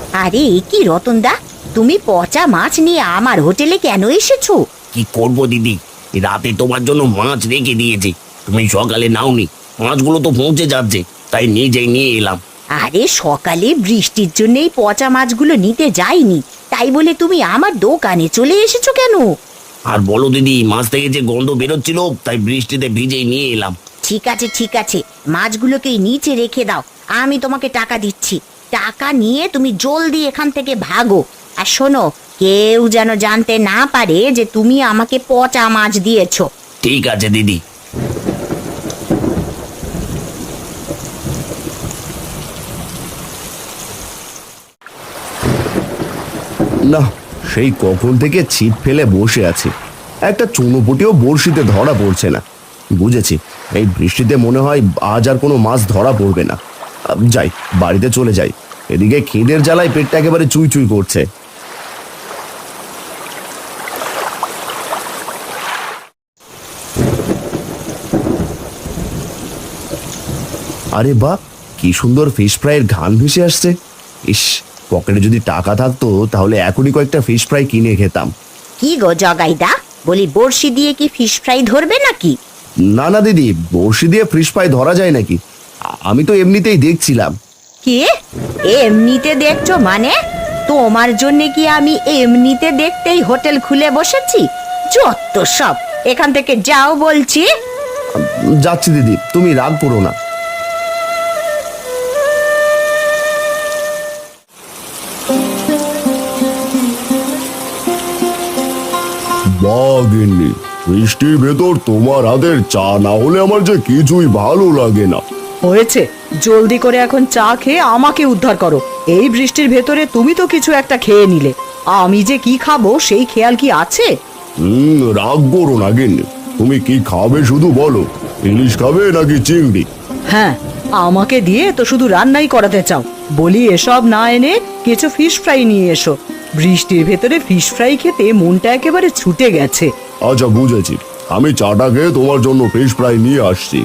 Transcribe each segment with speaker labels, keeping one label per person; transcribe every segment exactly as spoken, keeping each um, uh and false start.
Speaker 1: আরে এ কি রতনদা, তুমি পচা মাছ নিয়ে আমার হোটেলে কেন এসেছো?
Speaker 2: কি করবো দিদি, রাতে তোমার জন্য মাছ রেখে দিয়েছি, তুমি সকালে নাওনি। মাছগুলো তো পৌঁছে যাচ্ছে, তাই নিজেই নিয়ে এলাম।
Speaker 1: আরে সকালে বৃষ্টির জন্যই পচা মাছগুলো নিতে যাইনি, তাই বলে তুমি আমার দোকানে চলে এসেছো কেন?
Speaker 2: আর বলো দিদি, মাছ থেকে যে গন্ধ বেরোচ্ছিল, তাই বৃষ্টিতে ভিজেই নিয়ে এলাম।
Speaker 1: ঠিক আছে ঠিক আছে, মাছগুলোকে নিচে রেখে দাও, আমি তোমাকে টাকা দিচ্ছি। টাকা নিয়ে তুমি জলদি এখান থেকে ভাগো। আর শোনো, কেউ যেন জানতে না পারে যে তুমি আমাকে পচা মাছ দিয়েছো।
Speaker 2: ঠিক আছে দিদি।
Speaker 3: না, সেই কখন থেকে ছিপ ফেলে বসে আছি, একটা চুনোপুটিও বড়শিতে ধরা পড়ছে না। বুঝেছি, এই বৃষ্টিতে মনে হয় আজ আর কোনো মাছ ধরা পড়বে না। যাই, বাড়িতে চলে যাই, এদিকে খিদের জ্বালায় পেটটা একেবারে চুই চুই করছে। আরে বাহ, কি সুন্দর ফিশ ফ্রাইয়ের ঘ্রাণ ভেসে আসছে। ইস, পকেটে যদি টাকা থাকতো তাহলে এখনই কয়েকটা ফিশ ফ্রাই কিনে খেতাম।
Speaker 1: কি গো জগাইদা, বলি বড়শি দিয়ে কি ফিশ ফ্রাই ধরবে নাকি?
Speaker 3: না না দিদি, বড়শি দিয়ে ফিশ ফ্রাই ধরা যায় নাকি? আমি তো এমনিতেই দেখছিলাম।
Speaker 1: কি এমনিতে দেখছো মানে? তোমার জন্য কি আমি এমনিতে দেখতেই হোটেল খুলে বসেছি? যত সব, এখান থেকে যাও বলছি।
Speaker 3: যাচ্ছি দিদি, তুমি রাগ করো না। বাগিনি, বৃষ্টির ভেতর তোমার হাতের চা না হলে আমার যে কিছুই ভালো লাগে না।
Speaker 4: হয়েছে, জলদি করে এখন চা খেয়ে আমাকে উদ্ধার করো। এই বৃষ্টির ভেতরে তুমি তো কিছু একটা খেয়ে নিলে, আমি যে কি খাবো সেই খেয়াল কি আছে?
Speaker 3: হুম, রাগ করো না গিন্নি, তুমি কি খাবে শুধু বলো। ইলিশ খাবে নাকি চিংড়ি?
Speaker 4: হ্যাঁ, আমাকে দিয়ে তো শুধু রান্নাই করাতে চাও। বলি এসব না এনে কিছু ফিশ ফ্রাই নিয়ে এসো। বৃষ্টির ভেতরে ফিশ ফ্রাই খেতে মনটা একেবারে ছুটে গেছে।
Speaker 3: আচ্ছা বুঝেছি, আমি চাটা খেয়ে তোমার জন্য ফিশ ফ্রাই নিয়ে আসছি।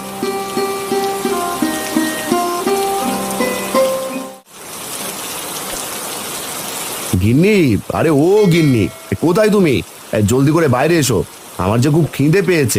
Speaker 3: গিন্নি, আরে ও গিন্নি, কোথায় তুমি? জলদি করে বাইরে এসো, আমার যে খুব খিদে পেয়েছে।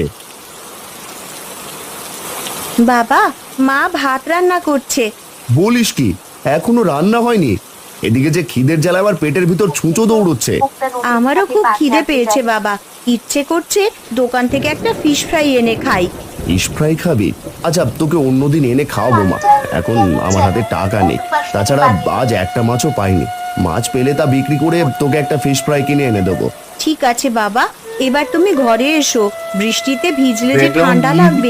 Speaker 1: বাবা, মা ভাত রান্না করছে।
Speaker 3: বলিস কি, এখনো রান্না হয়নি? এদিকে যে খিদের জ্বালা আবার পেটের ভিতর ছুঁচো দৌড়চ্ছে।
Speaker 1: আমারও খুব খিদে পেয়েছে বাবা, ইচ্ছে করছে দোকান থেকে একটা ফিশ ফ্রাই এনে খাই।
Speaker 3: ফিশ ফ্রাই খাবি? আচ্ছা, তোকে অন্যদিন এনে খাওয়াবো মা, এখন আমার হাতে টাকা নেই। তাছাড়া আজ একটা মাছও পাইনি, মাছ পেলে তা বিক্রি করে তোকে একটা ফিশ ফ্রাই কিনে এনে দেবো।
Speaker 1: ঠিক আছে বাবা, এবার তুমি ঘরে এসো, বৃষ্টিতে ভিজলে যে ঠান্ডা লাগবে।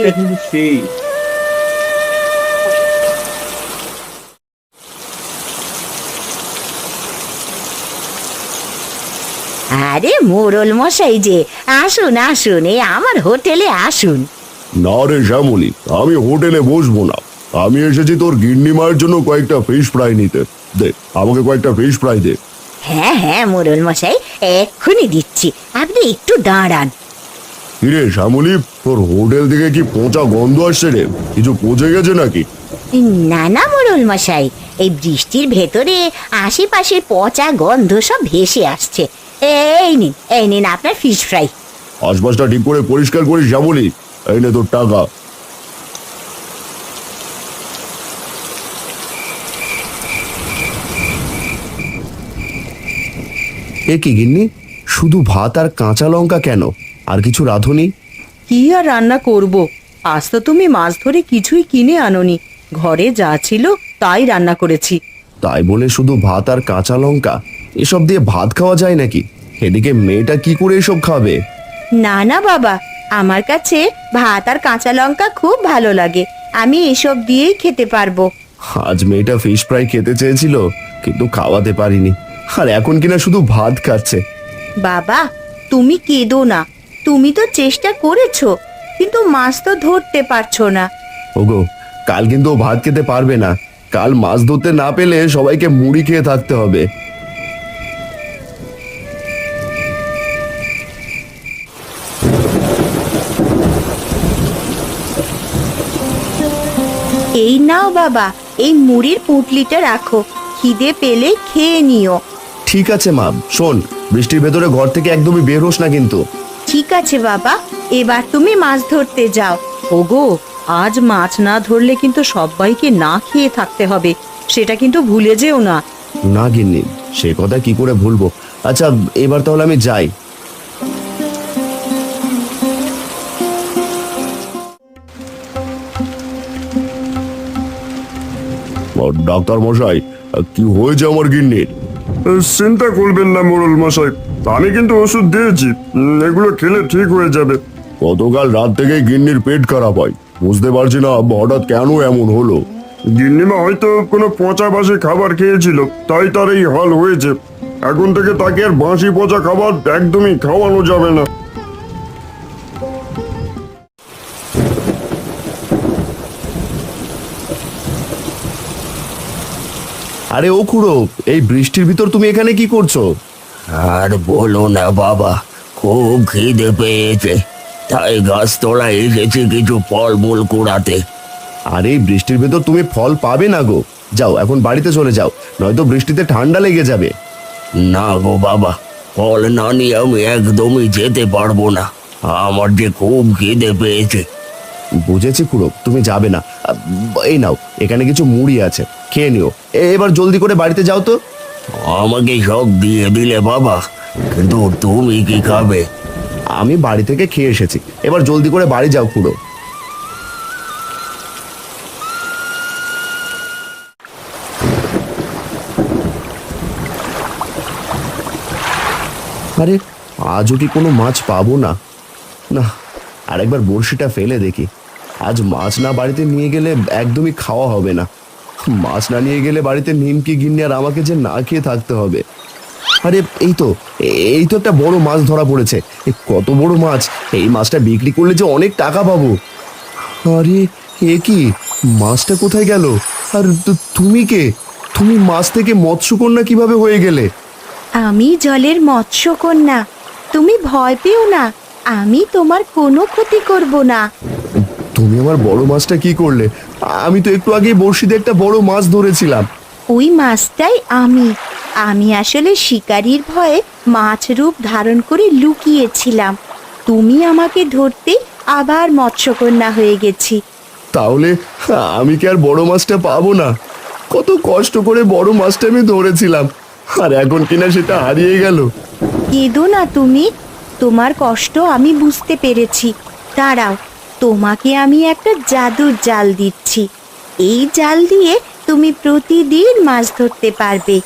Speaker 1: আরে মোড়ল মশাই যে, আসুন আসুন, এই আমার হোটেলে আসুন।
Speaker 3: না রে শ্যামলি, আমি হোটেলে বসবো না, আমি এসেছি তোর গিন্নি মায়ের জন্য কয়েকটা ফিশ ফ্রাই নিতে। দে, আমাকে কয়েকটা ফিশ ফ্রাই দে।
Speaker 1: হ্যাঁ হ্যাঁ মোড়ল মশাই, এক্ষুনি দিচ্ছি, আপনি একটু দাঁড়ান।
Speaker 3: কিরে শ্যামলি, তোর হোটেল থেকে কি পচা গন্ধ আসছে রে? কিছু পচে গেছে নাকি?
Speaker 1: না না মোড়ল মশাই, এই বৃষ্টির ভেতরে আশেপাশে পচা গন্ধ সব ভেসে আসছে। এই নিন এই নিন আপনার ফিশ ফ্রাই।
Speaker 3: আশপাশটা ঠিক করে পরিষ্কার করিস শ্যামলি, এই নে তোর টাকা। এ কি গিন্নি, শুধু ভাত আর কাঁচা লঙ্কা কেন? আর কিছু রাঁধুনি?
Speaker 4: কি আর রান্না করব? আজ তো তুমি মাছ ধরে কিছুই কিনে আনোনি, ঘরে যা ছিল তাই রান্না করেছি।
Speaker 3: তাই বলে শুধু ভাত আর কাঁচা লঙ্কা? এসব দিয়ে ভাত খাওয়া যায় নাকি? এদিকে মেয়েটা কি করে এসব খাবে?
Speaker 1: না না বাবা, আমার কাছে ভাত আর কাঁচা লঙ্কা খুব ভালো লাগে, আমি এসব দিয়েই খেতে পারবো।
Speaker 3: আজ মেয়েটা ফিশ ফ্রাই খেতে চেয়েছিল, কিন্তু খাওয়াতে পারিনি, আর এখন কিনা শুধু ভাত খাচ্ছে।
Speaker 1: বাবা তুমি কেঁদো না, তুমি তো চেষ্টা করেছো, কিন্তু মাছ তো ধরতে পারছো না।
Speaker 3: ওগো, কাল কিন্তু ও ভাত খেতে পারবে না, কাল মাছ ধরতে না পেলে সবাইকে মুড়ি খেয়ে থাকতে হবে।
Speaker 1: এই নাও বাবা, এই মুড়ির পুঁটলিটা রাখো, খিদে পেলে খেয়ে নিও।
Speaker 3: ঠিক আছে মা, শোন, বৃষ্টির ভেতরে ঘর থেকে একদমই বের হোস না কিন্তু।
Speaker 1: ঠিক আছে বাবা, এবার তুমি মাছ ধরতে যাও।
Speaker 4: ওগো, আজ মাছ না ধরলে কিন্তু সবাইকে না খেয়ে থাকতে হবে, সেটা কিন্তু ভুলে যেও না।
Speaker 3: না গিন্নি, সে কথা কি করে ভুলবো। আচ্ছা, এবার তাহলে আমি যাই। ডাক্তার মশাই, কি হয়েছে আমার গিন্নির?
Speaker 5: চিন্তা করবেন না মোড়ল মশাই, আমি কিন্তু ওষুধ দিয়েছি, উম, এগুলো খেলে ঠিক হয়ে যাবে।
Speaker 3: গতকাল রাত থেকে গিন্নির পেট খারাপ হয়, বুঝতে পারছি না হঠাৎ কেন এমন হলো।
Speaker 5: গিন্নিমা হয়তো কোনো পচা বাসি খাবার খেয়েছিল, তাই তার এই হাল হয়েছে। এখন থেকে তাকে আর বাসি পচা খাবার একদমই খাওয়ানো যাবে না।
Speaker 3: আরে ও খুড়ো, এই বৃষ্টির ভিতর তুমি এখানে কি করছো?
Speaker 2: আর বলো না বাবা, খুব খিদে পেয়েছে, তাই গাছতলা এসেছি কিছু ফলমূল কুড়াতে।
Speaker 3: আর এই বৃষ্টির ভেতর তুমি ফল পাবে না গো। যাও এখন বাড়িতে চলে যাও, নয়তো বৃষ্টিতে ঠান্ডা লেগে যাবে।
Speaker 2: না গো বাবা, ফল না নিয়ে আমি একদমই যেতে পারবো না, আমার যে খুব খিদে পেয়েছে।
Speaker 3: বুঝেছি খুড়ো, তুমি যাবে না। আহ, এই নাও, এখানে কিছু মুড়ি আছে, খেয়ে নিও। এ- এবার জলদি করে বাড়িতে যাও তো।
Speaker 2: আমাকে সব দিয়ে দিলে বাবা, কিন্তু তুমি কি খাবে?
Speaker 3: আমি বাড়ি থেকে খেয়ে এসেছি, এবার জলদি করে বাড়ি যাও খুড়ো। আরে আজও কি কোনো মাছ পাবো না? না, আরেকবার বড়শিটা ফেলে দেখি। আজ মাছ না বাড়িতে নিয়ে গেলে একদমই খাওয়া হবে না। মাছ না নিয়ে গেলে বাড়িতে নিমকি গিন্নি আর আমাকে যে না খেয়ে থাকতে হবে। আরে এই তো, এই তো একটা বড় মাছ ধরা পড়েছে। এ কত বড় মাছ! এই মাছটা বিক্রি করলে যে অনেক টাকা পাবো। আরে এ কি, মাছটা কোথায় গেল? আর তু- তুমি কে? তুমি মাছ থেকে মৎস্যকন্যা কিভাবে হয়ে গেলে?
Speaker 1: আমি জলের মৎস্যকন্যা, তুমি ভয় পেও না, আমি তোমার কোনো ক্ষতি করব না।
Speaker 3: তুমি আমার বড় মাছটা কি করলে? আমি তো একটু আগে বড়শিতে একটা বড় মাছ ধরেছিলাম।
Speaker 1: ওই মাছটাই আমি আমি আসলে শিকারীর ভয়ে মাছ রূপ ধারণ করে লুকিয়েছিলাম। তুমি আমাকে ধরতে আবার মৎস্যকন্যা হয়ে গেছি।
Speaker 3: তাহলে আমি কি আর বড় মাছটা পাবো না? কত কষ্ট করে বড় মাছটা আমি ধরেছিলাম, আর এখন কিনা সেটা হারিয়ে গেল।
Speaker 1: কেঁদো না তুমি, তোমার কষ্ট আমি বুঝতে পেরেছি। দাঁড়াও, তোমাকে আমি একটা জাদুর জাল দিচ্ছি। এই জাল দিয়ে তুমি প্রতিদিন মাছ ধরতে পারবে।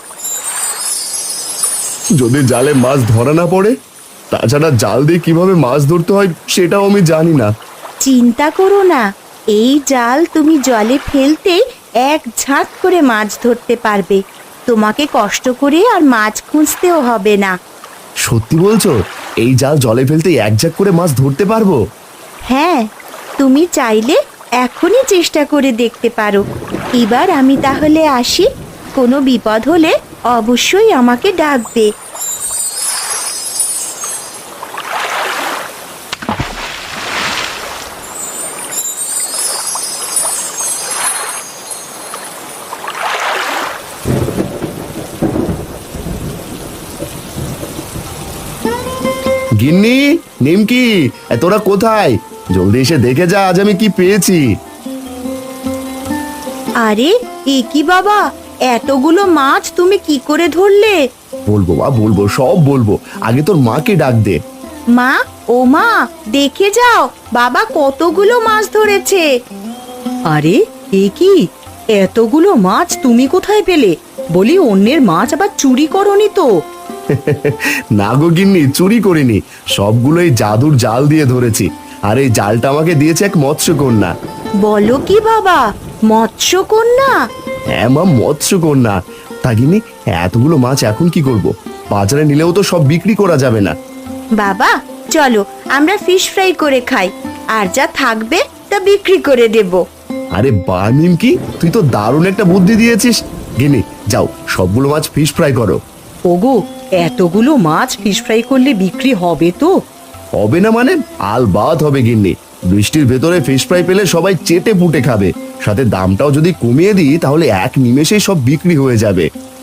Speaker 3: যদি জালে মাছ ধরা না পড়ে? তাছাড়া জাল দিয়ে কিভাবে মাছ ধরতে হয় সেটাও আমি জানি না।
Speaker 1: চিন্তা করো না, এই জাল তুমি জলে ফেলতে এক ঝাঁক করে মাছ ধরতে পারবে। তোমাকে কষ্ট করে আর মাছ খুঁজতেও হবে না।
Speaker 3: সত্যি বলছো? এই জাল জলে ফেলতে এক ঝাঁক করে মাছ ধরতে পারবো?
Speaker 1: হ্যাঁ, তুমি চাইলে এখনই চেষ্টা করে দেখতে পারো। এবার আমি তাহলে আসি, কোনো বিপদ হলে অবশ্যই আমাকে ডাকবে।
Speaker 3: গিন্নি, নিমকি, এ তোরা কোথায়? জলদি এসে দেখে যা আজ আমি কি পেয়েছি।
Speaker 1: আরে এ কি বাবা, এতগুলো মাছ তুমি কি করে ধরলে?
Speaker 3: বলবো বা বলবো, সব বলবো। আগে তোর মাকে ডাক দে।
Speaker 1: মা, ও মা, দেখে যাও, বাবা কতগুলো মাছ ধরেছে।
Speaker 4: আরে এ কি, এতগুলো মাছ তুমি কোথায় পেলে? বলি অন্যের মাছ আবার চুরি করনি তো?
Speaker 3: না গো গিন্নি, চুরি করিনি, সবগুলো এই জাদুর জাল দিয়ে ধরেছি। আর এই জালটা আমাকে দিয়েছে এক মৎস্যকন্যা।
Speaker 1: বলো কি বাবা, মৎস্যকন্যা?
Speaker 3: হ্যাঁ মা, মৎস্যকন্যা। তা গিন্নি, এতগুলো মাছ এখন কি করব? বাজারে নিলেও তো সব বিক্রি করা যাবে না।
Speaker 1: বাবা চলো, আমরা ফিশ ফ্রাই করে খাই, আর যা থাকবে তা বিক্রি করে দেব।
Speaker 3: আরে বা নিমকি, তুই তো দারুণ একটা বুদ্ধি দিয়েছিস। গিন্নি যাও, সবগুলো মাছ ফিশ ফ্রাই করো।
Speaker 4: ওগো, এতগুলো মাছ ফিশ ফ্রাই করলে বিক্রি হবে তো?
Speaker 3: হবে না মানে? আলবাত হবে গিন্নি। বৃষ্টির ভেতরে ফিশ ফ্রাই পেলে সবাই চেটে পুটে খাবে, সাথে দামটাও যদি কমিয়ে দিই তাহলে এক নিমেষেই সব বিক্রি হয়ে যাবে।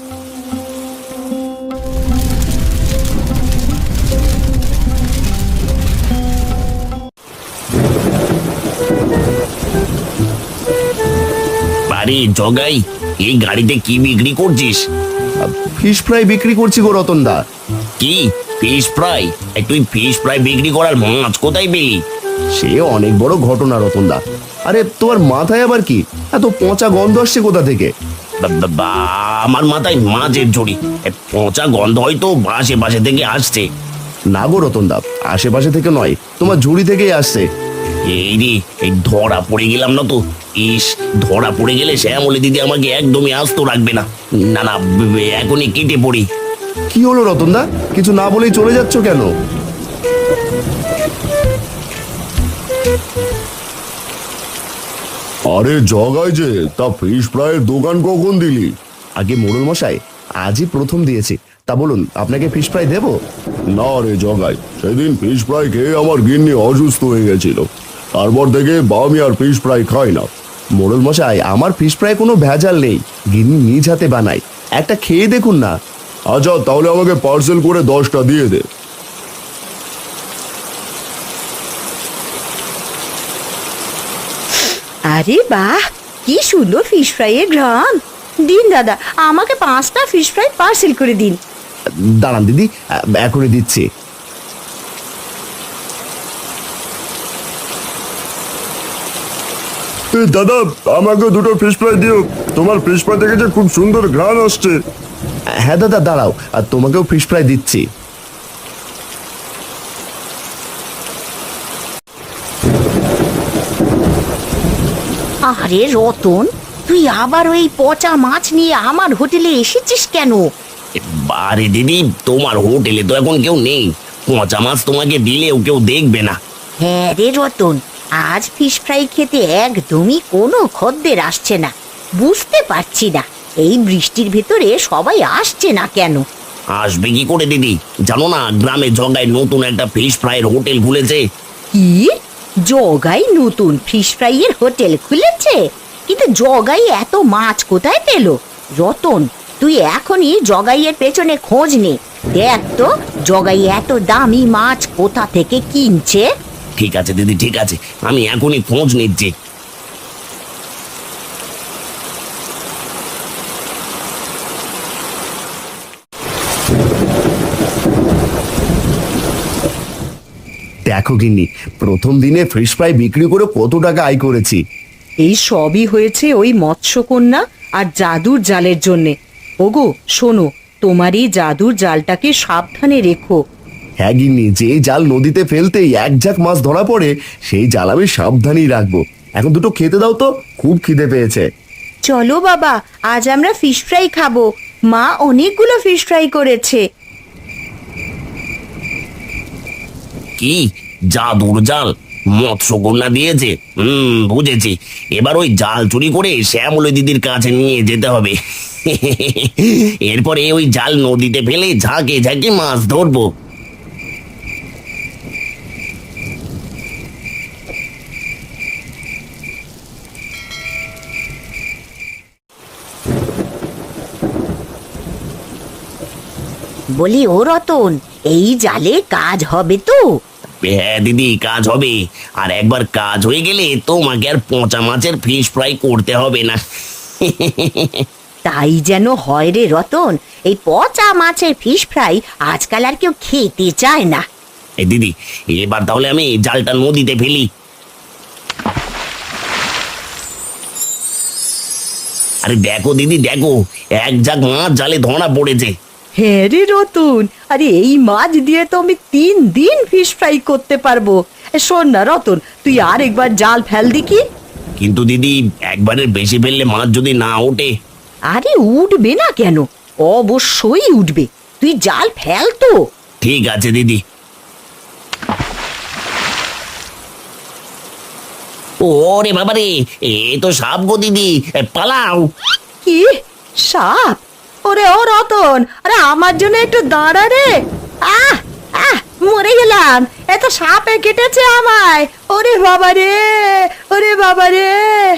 Speaker 2: আরে জগাই, এই গাড়িতে কি বিক্রি করছিস?
Speaker 3: ফিশ ফ্রাই বিক্রি করছি গো রতন দা।
Speaker 2: কি ফিশ ফ্রাই? এই তুই ফিশ ফ্রাই বিক্রি করার মাছ কোথায় পেলি?
Speaker 3: সে অনেক বড় ঘটনা রতন দা। আরে তোমার মাথায় আবার কি এত পচা গন্ধ আসছে কোথা থেকে?
Speaker 2: বা- বা- বা- আমার মাথায় মাছের ঝুড়ি, এ পচা গন্ধ হয়তো আশেপাশে থেকে আসছে।
Speaker 3: না গো রতন দা, আশেপাশে থেকে নয়, তোমার ঝুড়ি থেকেই আসছে।
Speaker 2: এই রে, এই ধরা পড়ে গেলাম না তো। ইস, ধরা পড়ে গেলে শ্যামলী দিদি আমাকে একদমই আস্ত রাখবে না। না না, ব- ব- এখনই কেটে পড়ি।
Speaker 3: কি হলো রতন দা, কিছু না বলেই চলে যাচ্ছ কেন?
Speaker 5: আরে জগাই যে, তা ফিশ ফ্রাইয়ের দোকান কখন দিলি?
Speaker 3: আগে মোড়ল মশাই, আজই প্রথম দিয়েছি। তা বলুন, আপনাকে ফিশ ফ্রাই দেবো?
Speaker 5: না রে জগাই, সেদিন ফিশ ফ্রাই খেয়ে আমার গিন্নি অসুস্থ হয়ে গেছিল। তারপর থেকে আমি আর ফিশ ফ্রাই খাই না।
Speaker 3: মোড়ল মশাই, আমার ফিশ ফ্রাই কোনো ভেজাল নেই, গিন্নি নিজ হাতে বানাই, একটা খেয়ে দেখুন না।
Speaker 5: আচ্ছা, তাহলে আমাকে পার্সেল করে দশটা দিয়ে দে।
Speaker 1: আরে বাহ, কি সুন্দর ফিশ ফ্রাইয়ের ঘ্রাণ। দিন দাদা, আমাকে পাঁচটা ফিশ ফ্রাই পার্সেল করে দিন।
Speaker 3: দাঁড়ান দিদি, এখনই দিচ্ছি।
Speaker 5: এ, দাদা, আমাকে দুটো ফিশ ফ্রাই দিও। তোমার ফিশ ফ্রাই থেকে যে খুব সুন্দর ঘ্রাণ আসছে।
Speaker 3: হ্যাঁ দাদা, দাঁড়াও, আর তোমাকেও ফিশ ফ্রাই দিচ্ছি।
Speaker 1: আরে রতন, তুই আবার ওই পচা মাছ নিয়ে আমার হোটেলে এসেছিস কেন?
Speaker 2: এ, বারে দিদি, তোমার হোটেলে তো এখন কেউ নেই। পচা মাছ তোমাকে দিলেও কেউ দেখবে না।
Speaker 1: হ্যাঁ রে রতন, আজ ফিশ ফ্রাই খেতে একদমই কোনো খদ্দের আসছে না। বুঝতে পারছি না এই বৃষ্টির ভেতরে সবাই আসছে না কেন।
Speaker 2: আসবে কি করে দিদি? জানো না, গ্রামে জগায় নতুন একটা ফিশ ফ্রাইয়ের হোটেল খুলেছে।
Speaker 1: কি, জগাই নতুন ফিশ ফ্রাইয়ের হোটেল খুলেছে? কিন্তু জগাই এত মাছ কোথায় পেল? রতন, তুই এখনই জগাইয়ের পেছনে খোঁজ নে, দেখ তো জগাই এত দামি মাছ কোথা থেকে কিনছে।
Speaker 2: ঠিক আছে দিদি, ঠিক আছে, আমি এখনই খোঁজ নিচ্ছি।
Speaker 3: দেখো গিন্নি, প্রথম দিনে ফিশ ফ্রাই বিক্রি করে কত টাকা আয় করেছি।
Speaker 4: এই সবই হয়েছে ওই মৎস্যকন্যা আর জাদুর জালের জন্যে। ওগো শোনো, তোমার এই জাদুর জালটাকে সাবধানে রেখো।
Speaker 3: হ্যাঁ গিন্নি, যে জাল নদীতে ফেলতেই এক ঝাঁক মাছ ধরা পড়ে, সেই জাল আমি সাবধানেই রাখবো। এখন দুটো খেতে দাও তো, খুব খিদে পেয়েছে।
Speaker 1: চলো বাবা, আজ আমরা ফিশ ফ্রাই খাবো। মা অনেকগুলো ফিশ ফ্রাই করেছে।
Speaker 2: কি জাদুর জাল? মৎস্যকন্যা দিয়েছে? হুম, বুঝেছি। এবার ওই জাল চুরি করে শ্যামলী দিদির কাছে নিয়ে যেতে হবে। এরপরে ওই জাল নদীতে ফেলে ঝাঁকে ঝাঁকে মাছ ধরবো।
Speaker 1: বলি ও রতন, এই জালে কাজ হবে তো?
Speaker 2: হ্যাঁ দিদি, কাজ হবে। আর একবার কাজ হয়ে গেলে তোমাকে আর পচা মাছের ফিশ ফ্রাই করতে হবে না।
Speaker 1: তাই যেন হয় রে রতন, এই পচা মাছের ফিশ ফ্রাই আজকাল আর কেউ খেতে চায় না।
Speaker 2: এই দিদি, এবার তাহলে আমি জালটা নদীতে ফেলি। আরে দেখো দিদি, দেখো, এক ঝাঁক মাছ জালে ধরা পড়েছে।
Speaker 4: হ্যাঁ রে রতন, আরে এই মাছ দিয়ে তো আমি তিন দিন ফিশ ফ্রাই করতে পারবো। এ, শোন না রতন, তুই আর একবার জাল ফেল দেখি।
Speaker 2: কিন্তু দিদি, একবারের বেশি ফেললে মাছ যদি না ওঠে?
Speaker 1: আরে উঠবে না কেন, অবশ্যই উঠবে। তুই জাল ফেল তো।
Speaker 2: ঠিক আছে দিদি। ওরে বাবারে, এ তো সাপ গো দিদি, এ, পালাও।
Speaker 4: কি সাপ? ওরে ও রতন, আরে আমার জন্য একটু দাঁড়া রে।
Speaker 1: আহ আহ
Speaker 4: মরে গেলাম, এত সাপে কেটেছে আমায়। ওরে বাবা রে, ওরে বাবা রে।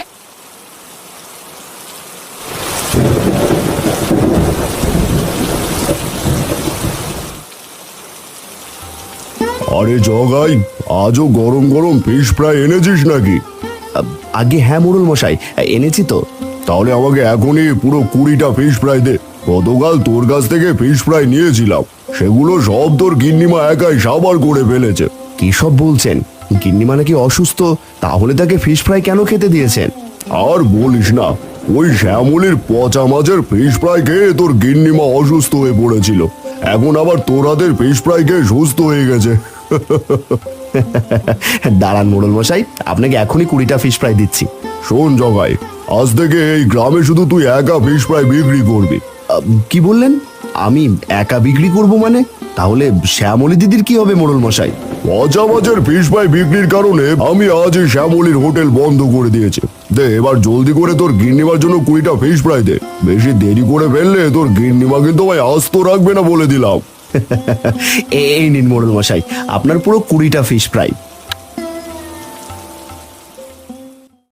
Speaker 3: আরে জগাই, আজও গরম গরম ফিশ ফ্রাই এনেছিস নাকি? আগে হ্যাঁ মোড়ল মশাই, এনেছি তো। তাহলে আমাকে এখনই পুরো কুড়িটা ফিশ ফ্রাই দে। গতকাল তোর কাছ থেকে ফিশ ফ্রাই নিয়েছিলাম, সেগুলো সব তোর গিন্নিমা একাই সাবার করে ফেলেছে। কি সব বলছেন? গিন্নিমা নাকি অসুস্থ, তাহলে তাকে ফিশ ফ্রাই কেন খেতে দিয়েছেন? আর বলিস না, ওই শ্যামলির পচা মাছের ফিশ ফ্রাই খেয়ে তোর গিন্নিমা অসুস্থ হয়ে পড়েছিল। এখন আবার তোর হাতের ফিশ ফ্রাই খেয়ে সুস্থ হয়ে গেছে। দাঁড়ান মোড়ল মশাই, আপনাকে এখনই কুড়িটা ফিশ ফ্রাই দিচ্ছি। শোন জগাই, আজ থেকে এই গ্রামে শুধু তুই একা ফিশ ফ্রাই বিক্রি করবি। কি বললেন? আমি একা বিক্রি করব মানে? তাহলে শ্যামলী দিদির কি হবে মোড়ল মশাই? পচা মাছের ফিশ ফ্রাই বিক্রির কারণে আমি আজ এই শ্যামলীর হোটেল বন্ধ করে দিয়েছি। দে এবার জলদি করে তোর গিন্নিমার জন্য কুড়িটা ফিশ ফ্রাই দে। বেশি দেরি করে ফেললে তোর গিন্নিমা কিন্তু ভাই আস্ত রাখবে না বলে দিলাম। এই নিন মোড়ল মশাই, আপনার পুরো কুড়িটা ফিশ ফ্রাই।